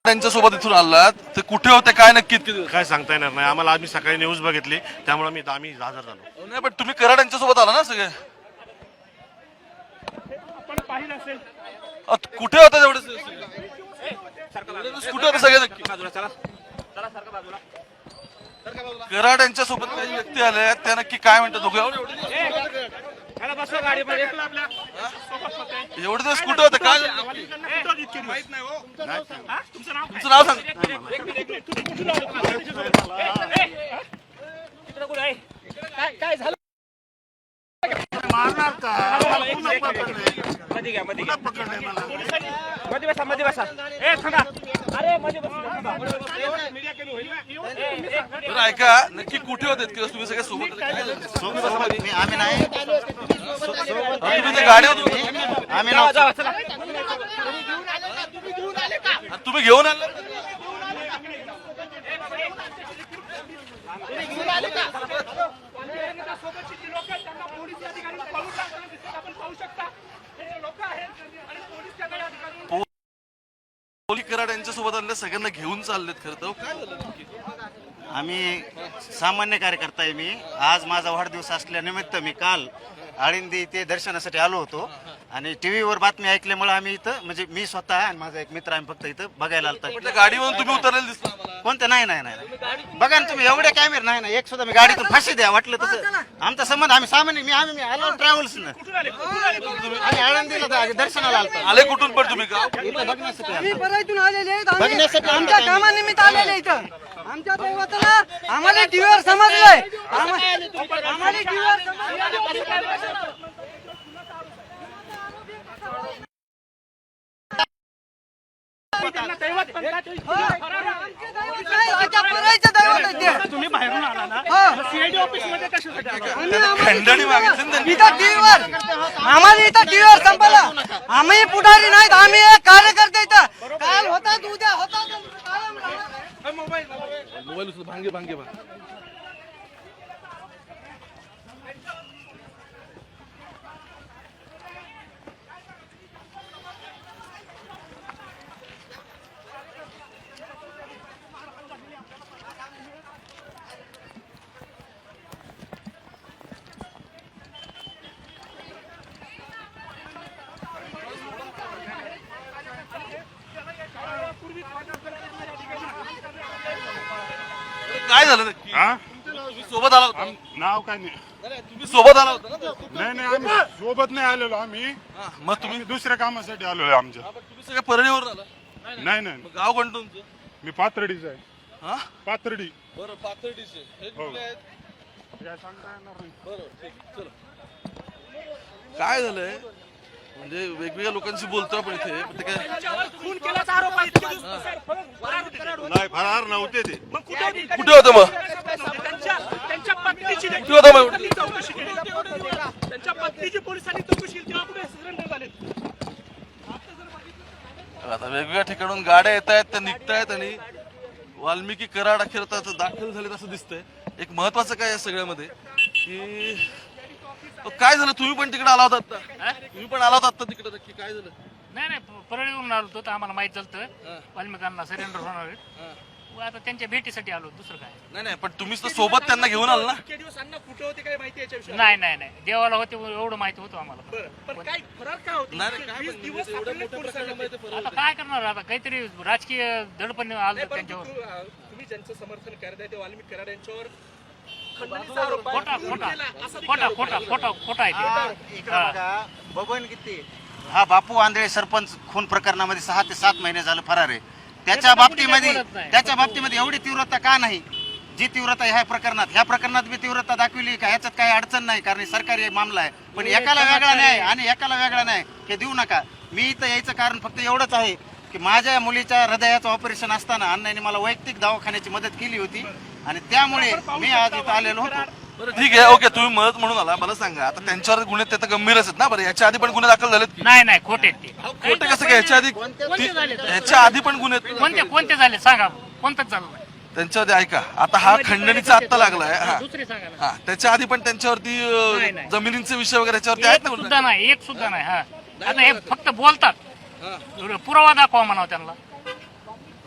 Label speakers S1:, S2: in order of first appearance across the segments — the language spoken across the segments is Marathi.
S1: त्यांच्या सोबत इथून आलात ते कुठे होते काय नक्की
S2: काय सांगता येणार नाही आम्हाला. आम्ही सकाळी न्यूज बघितली त्यामुळे आम्ही हजर झालो.
S1: नाही पण तुम्ही कराड यांच्या सोबत आला ना सगळे कुठे होते तेवढे कुठे होते सगळे नक्की कराड यांच्या सोबत काही व्यक्ती आले त्या नक्की काय म्हणतात दोघे एवढे दिवस कुठे होते काय तुमचं नाव सांग
S3: काय झालं
S4: मारणार का
S3: मध्ये बसा ए थांबा अरे मध्ये बसा
S1: बरं ऐका नक्की कुठे होते किंवा तुम्ही सगळे सोबत
S4: आम्ही नाही
S1: तुम्ही त्या गाडीवर
S4: आम्ही
S1: तुम्ही घेऊन आले कराड यांच्या सोबत आले सगळ्यांना घेऊन चाललेत खरं तर काय झालं नक्की
S4: आम्ही सामान्य कार्यकर्ता आहे. मी आज माझा वाढदिवस असल्यानिमित्त मी काल आळंदी ते दर्शनासाठी आलो होतो आणि टीव्हीवर बातमी ऐकल्यामुळे आम्ही इथं म्हणजे मी स्वतः आणि माझा एक मित्र आम्ही फक्त इथं बघायला आलता.
S1: गाडीवरून तुम्ही उतरलेलं दिसलं आम्हाला.
S4: कोणतं नाही नाही नाही बघा ना तुम्ही एवढे कॅमेरे नाही ना एक सुद्धा मी गाडीतून फाशी द्या वाटलं तसं आमचा संबंध आम्ही सामान्य आम्ही आलो ट्रॅव्हल्स आम्ही आळंदीला दर्शनाला आलतो.
S1: आले कुठून पण तुम्ही का
S4: इथं बघण्यासाठी
S5: आम्ही परळीतून आलेले आहेत.
S4: बघण्यासाठी
S5: आमच्या कामानिमित्त आलेले इथं आमच्या दैवताला आम्हाला टीव्हीवर समजलंय आम्हाला टीव्हीवर समजलंय
S3: तुम्ही बाहेरून आला ना सीआयडी ऑफिस मध्ये कशासाठी
S1: खंडणी मागितली ना त्यांनी.
S5: इथं टीव्हीवर आम्हाला इथं टीव्हीवर संपला आम्ही पुढारी नाहीत आम्ही एक कार्यकर्ते इथं काल होतात उद्या होतात
S1: मोबाईल उचल भांगे भांगे काय झालं नक्की तुम्ही सोबत आला होता
S2: नाव काय नाही.
S1: तुम्ही सोबत आला होता ना
S2: नाही आम्ही सोबत नाही आलेलो. आम्ही
S1: मग तुम्ही
S2: दुसऱ्या कामासाठी आलोय आमच्या.
S1: तुम्ही सगळ्या परळीवर आला
S2: नाही नाही
S1: मग गाव कोणतं तुमचं
S2: मी पाथर्डीचा आहे.
S1: हा
S2: पाथर्डी
S1: बरं पाथर्डीचे हे कुठले आहेत
S2: काय सांगता येणार नाही.
S1: बरं ठीक चलो काय झालंय म्हणजे वेगवेगळ्या लोकांशी बोलतो आपण इथे पण ते काय
S3: खून केल्याचा आरोप आहे इतके दिवस.
S2: नाही फरार नव्हते ते.
S3: मग कुठे होते?
S1: कुठे होतं मग
S3: त्यांच्या पत्नीची
S1: कुठे होतं मग
S3: चौकशी केली. त्यांच्या पत्नीची पोलिसांनी चौकशी केली तेव्हा कुठे सरेंडर झाले.
S1: आता वेगवेगळ्या ठिकाणून गाड्या येत आहेत त्या निघतायत आणि वाल्मिकी कराड अखेर दाखल झालेत असं दिसतंय. एक महत्वाचं काय या सगळ्यामध्ये की काय झालं तुम्ही पण तिकडे आला होता आता तुम्ही पण आला होता आता तिकडे नक्की काय झालं
S6: नाही नाही परळीवरून आलो होतो तर आम्हाला माहित झालं वाल्मिकांना सरेंडर होणार आहेत. आता त्यांच्या भेटीसाठी आलो दुसरं काय
S1: नाही नाही पण तुम्हीच तर सोबत त्यांना घेऊन आला ना
S3: इतके दिवस अण्णा कुठे होते काय माहिती याच्याविषयी?
S6: नाही नाही नाही देवाला होते एवढं माहिती होतं आम्हाला.
S3: बरं, पण काय फरार काय होते?
S1: नाही नाही, काय
S3: 20
S1: पण
S3: दिवस
S1: एवढ्या
S3: सापडले
S1: मोठ्या
S3: पोलिसांना.
S1: प्रकरणामध्ये ते फरक
S6: आता काय करणार आता काहीतरी राजकीय दडपण आलं
S3: नाही, परंतु
S6: त्यांच्यावर.
S3: तुम्ही ज्यांचं समर्थन करताय ते वाल्मिक कराड यांच्यावर खंडणीचा आरोप आहे.
S6: खोटा खोटा
S3: केला, असं
S6: खोटा खोटा खोटा खोटा आहे ते.
S4: इकडे बघा बबन किती हा बापू आंधळे सरपंच खून प्रकरणामध्ये 6 ते 7 महिने झालं फरार आहे. त्याच्या बाबतीमध्ये एवढी तीव्रता का नाही जी तीव्रता ह्या प्रकरणात बी तीव्रता दाखवली का ह्याच्यात काही अडचण नाही कारण सरकारी मामला आहे. पण एकाला वेगळा न्याय आणि एकाला वेगळा न्याय हे देऊ नका. मी इथं यायचं कारण फक्त एवढंच आहे की माझ्या मुलीच्या हृदयाचं ऑपरेशन असताना अण्णांनी मला वैयक्तिक दवाखान्याची मदत केली होती आणि त्यामुळे मी आज इथं आलेलो होतो.
S1: बरं ठीक आहे ओके तुम्ही मदत म्हणून आला मला सांगा आता त्यांच्यावर गुन्हे ते तर गंभीरच आहेत ना बरं याच्या आधी पण गुन्हे दाखल झालेत की
S6: नाही नाही खोटे आहेत ते.
S1: खोटे कसं काय याच्या आधी याच्या आधी पण गुन्हे आहेत?
S6: कोणते कोणते झाले सांगा कोणतंच झालं नाही.
S1: त्यांच्यावरती ऐका आता हा खंडणीचा आत्ता लागलाय हा
S6: दुसरे सांगा ना.
S1: हा त्याच्या आधी पण त्यांच्यावरती
S6: नाही, नाही.
S1: जमिनींचे विषय वगैरे याच्यावरती आहेत
S6: एक
S1: ना
S6: सुद्धा
S1: गुन्हे?
S6: नाही एक सुद्धा नाही. हा आता हे फक्त बोलतात पुरावा दाखवा म्हणावं त्यांना.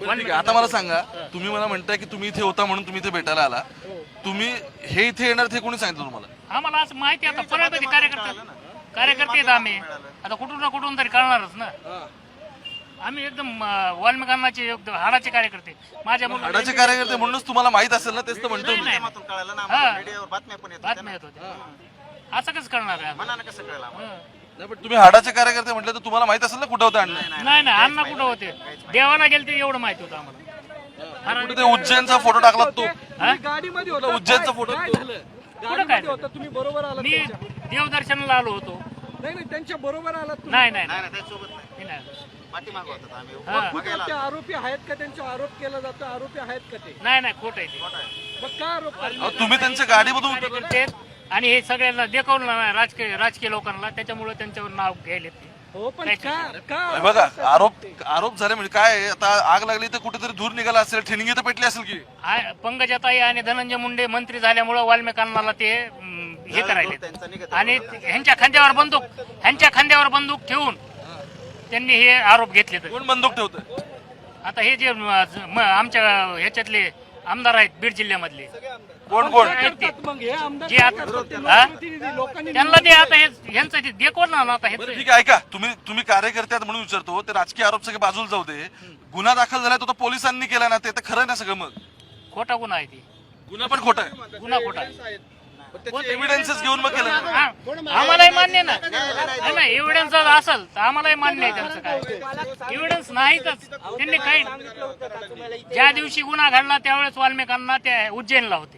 S1: बरं, ठीक आहे. आता मला सांगा, तुम्ही मला म्हणताय की तुम्ही इथे होता म्हणून तुम्ही इथे भेटायला आला. तुम्ही हे इथे येणार ते कोणी सांगितलं तुम्हाला?
S6: आम्हाला असं माहिती आहे, आता परळमध्ये कार्यकर्ते आहेत आम्ही, आता कुठून ना कुठून तरी कळणारच ना. आम्ही एकदम वाल्मिकांनाचे एकदम हाडाचे कार्यकर्ते. माझ्या
S1: हाडाचे कार्यकर्ते म्हणूनच तुम्हाला माहित असेल ना, तेच तर म्हणतो मी.
S4: माध्यमातून कळालं ना
S6: हा.
S4: आम्हाला, मीडियावर बातम्या पण येतात
S6: बातम्या येत होत्या. असं कसं कळणार आहे?
S4: मनानं कसं कळलं आम्हाला?
S1: नाही, पण तुम्ही हाडाचे कार्यकर्ते म्हटलं तर तुम्हाला माहित असेल ना कुठं होतं अण्णा.
S6: नाही नाही, अण्णा कुठं होते? देवाला गेले ते एवढं माहिती होतं आम्हाला.
S1: कुठे ते उज्जैनचा फोटो टाकला तो,
S6: हा?
S3: गाडीमध्ये
S1: कुठला
S3: होता
S1: उज्जैनचा फोटो
S3: काय
S1: तो.
S3: झालं?
S6: कुठं काय
S3: गाडीमध्ये होता तुम्ही बरोबर आलात
S6: मी
S3: त्यांच्या?
S6: देवदर्शनाला आलो होतो.
S3: नाही नाही त्यांच्या बरोबर आलात तुम्ही?
S6: नाही नाही
S4: नाही नाही त्याच्यासोबत नाही,
S6: नाही, नाही.
S4: पाठीमागं होतात आम्ही
S6: हा.
S4: बघायला
S3: ते आरोपी आहेत का? त्यांचा आरोप केला जातो, आरोपी आहेत का ते?
S6: नाही नाही, खोट आहे ते.
S3: मग काय आरोप करतात?
S1: अहो, तुम्ही त्यांच्या गाडीमधून उतरले.
S6: कार्यकर्ते आहेत आणि हे सगळ्यांना देखवलं नाही राजकीय लोकांना, त्याच्यामुळे त्यांच्यावर नाव घ्यायले ते.
S3: हो पण का
S1: हे बघा, आरोप झाले म्हणजे काय आहे, आता आग लागली तर कुठेतरी धूर निघाला असेल, ठिणगी तर पेटली असेल की.
S6: पंकजाताई आणि धनंजय मुंडे मंत्री झाल्यामुळे वाल्मिकांना ते हे करायले
S4: त्यांचा निघत
S6: आणि ह्यांच्या खांद्यावर बंदूक ठेवून त्यांनी हे आरोप घेतले. तर
S1: कोण बंदूक ठेवतंय?
S6: आता हे जे आमच्या ह्याच्यातले आमदार आहेत बीड जिल्ह्यामधले,
S1: कोण
S6: आहेत ते.
S3: मग हे आमदार
S6: जे आता हा?
S3: प्रतिनिधी लोकांनी
S6: त्यांना ते आता ह्यांचं ते देखवलं ना आता
S1: बरं,
S6: हे.
S1: ठीक आहे, ऐका, तुम्ही कार्यकर्ते आहात म्हणून विचारतो. ते राजकीय आरोप सगळे बाजूला जाऊ दे. गुन्हा दाखल झालाय तो तर पोलिसांनी केला ना, ते तर खरं ना सगळं. मग
S6: खोटा गुन्हा आहे ते,
S1: गुन्हा पण खोटा आहे.
S6: गुन्हा खोटा आहे.
S1: एव्हिडन्सेस घेऊन मग केलं ना.
S6: हा, आम्हालाही मान्य ना. नाही एव्हिडन्स जर असेल तर आम्हालाही मान्य आहे त्यांचं काय. एव्हिडन्स नाहीतच. त्यांनी काही ज्या दिवशी गुन्हा घडला त्यावेळेस वाल्मिकांना त्या उज्जैनला होते.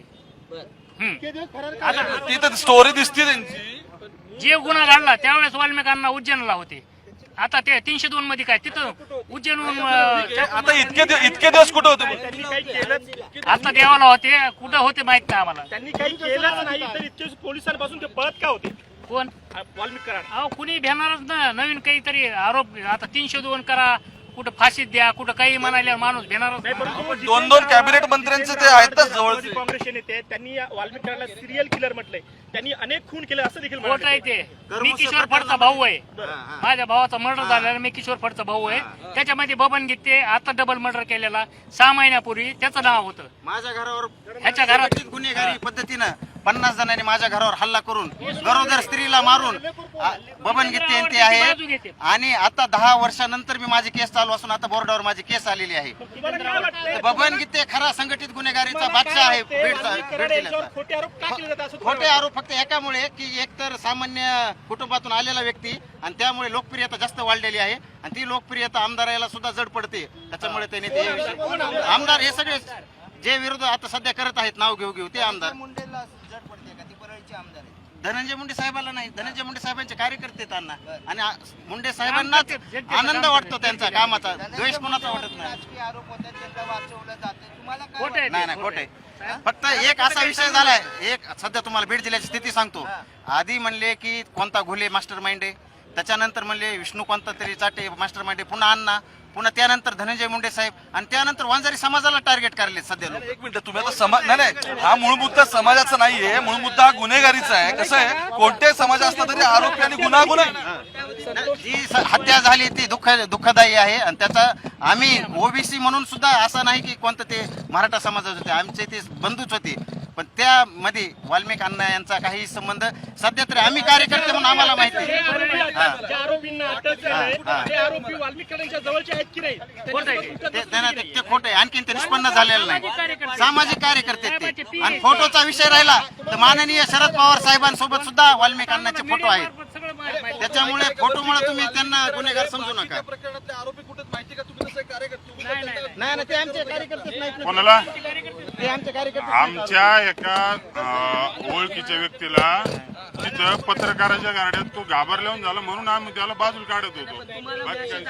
S6: आता
S1: ती तर स्टोरी दिसते त्यांची.
S6: जे गुन्हा घडला त्यावेळेस वाल्मिकांना उज्जैनला होते. आता ते 302 मध्ये काय तिथं उज्जैनहून
S1: आता इतके दिवस कुठे होते मग?
S3: त्यांनी काही केलंच
S6: आता देवाला होते, कुठं होते माहित नाही आम्हाला.
S3: त्यांनी काही केलंच नाही तर इतके पोलिसांपासून ते पळत का होते?
S6: कोण?
S3: वाल्मिक कराड
S6: अहो कुणी भेटणारच ना. नवीन काहीतरी आरोप आता 302 करा, कुठं फाशीत द्या, कुठं काही म्हणायला माणूस भेटणारच नाही.
S1: दोन कॅबिनेट मंत्र्यांचे ते आहेतच जवळचे.
S3: काँग्रेसचे नेते त्यांनी वाल्मिक कराडला सिरियल किलर म्हटलंय. त्यांनी अनेक खून केले असं देखील
S6: खोट आहे ते. मी किशोर फडचा भाऊ आहे. माझ्या भावाचा मर्डर झालेला, मी किशोर फडचा भाऊ आहे. त्याच्यामध्ये बबन गीते आता डबल मर्डर केलेला 6 महिन्यापूर्वी त्याचं नाव होतं.
S4: माझ्या घरावर
S6: ह्याच्या घरात
S4: संघटित गुन्हेगारी पद्धतीनं 50 जणांनी माझ्या घरावर हल्ला करून गरोदर स्त्रीला मारून बबन गीते यांचे आहे. आणि आता 10 वर्षानंतर मी माझी केस चालू असून आता बोर्डावर माझी केस आलेली आहे. तर बबन गीते खरा संघटित गुन्हेगारीचा बादशाह आहे बीड जिल्ह्याचा.
S3: खोटे आरोप का केले जातात असं
S4: खोटे आरोप फक्त एकामुळे की एकतर सामान्य कुटुंबातून आलेला व्यक्ती आणि त्यामुळे लोकप्रियता जास्त वाढलेली आहे आणि ती लोकप्रियता आमदाराला सुद्धा जड पडते. त्याच्यामुळे त्यांनी ते आमदार हे सगळे जे विरोध आता सध्या करत आहेत नाव घेऊ ते आमदार धनंजय मुंडे साहेबाला नाही. धनंजय मुंडे साहेबांचे कार्यकर्ते आहेत अण्णा आणि मुंडे साहेबांनाच आनंद वाटतो त्यांचा कामाचा. द्वेष कोणाचा वाटत नाही.
S6: खोट आहे.
S4: नाही खोटे. फक्त एक असा विषय झालाय, एक सध्या तुम्हाला बीड जिल्ह्याची स्थिती सांगतो. आधी म्हणले की कोणता घोले मास्टर माइंड आहे, त्याच्यानंतर म्हणले विष्णू कोणता तरी चाटे मास्टर माइंड आहे, पुन्हा अण्णा, पुन्हा त्यानंतर धनंजय मुंडे साहेब आणि त्यानंतर वांजारी समाजाला टार्गेट करले सध्या लोक.
S1: एक मिनिट, तुम्ही आता समाज नाही, हा मूळ मुद्दा समाजाचा नाहीये. मूळ मुद्दा हा गुन्हेगारीचा आहे. कसं आहे, कोणत्याही समाज असला तरी आरोपी आणि गुन्हा
S4: जी हत्या झाली ती दुःखदायी आहे आणि त्याचा आम्ही ओबीसी म्हणून सुद्धा असं नाही की कोणतं ते मराठा समाजाचे होते, आमचे ते बंधूच होते. पण त्यामध्ये वाल्मिक अण्णा यांचा काही संबंध सध्या तरी आम्ही कार्यकर्ते म्हणून आम्हाला माहिती आहे.
S3: ज्या आरोपींना अटक झाली ते आरोपी वाल्मिक कराडांच्या जवळचे आहेत की नाही?
S4: ते खोटे आणखीन ते निष्पन्न झालेलं नाही. सामाजिक कार्यकर्ते आहेत ते. आणि फोटोचा विषय राहिला तर माननीय शरद पवार साहेबांसोबत सुद्धा वाल्मिक अण्णाचे फोटो आहेत. त्याच्यामुळे फोटोमुळे तुम्ही त्यांना गुन्हेगार समजू नका.
S1: आरोपी कुठेच माहिती का तुम्ही तसं कार्यकर्ते?
S4: नाही ते आमचे कार्यकर्तेच नाहीत.
S2: कोणाला?
S4: ते आमचे कार्यकर्ते
S2: आमच्या एका ओळखीच्या व्यक्तीला तिथं पत्रकाराच्या गाड्यात तो घाबरल्याहून झाला म्हणून आम्ही त्याला बाजूला काढत होतो. बाकी काही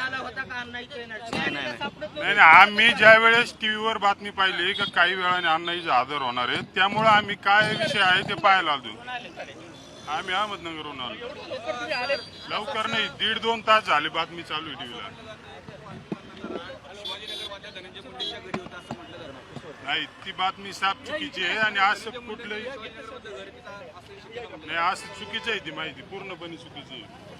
S2: नाही. आम्ही ज्या वेळेस टीव्हीवर बातमी पाहिली की काही वेळाने अण्णाजी हजर होणार आहेत, त्यामुळे आम्ही काय विषय आहे ते पाहायला आलो. आम्ही अहमदनगरहून आलो. लवकर नाही, 1.5-2 तास झाले बातमी चालू आहे टीव्हीला. नाही, ती बातमी साफ चुकीची आहे आणि असं कुठलंही नाही, असं चुकीचं आहे. ती माहिती पूर्णपणे चुकीची आहे.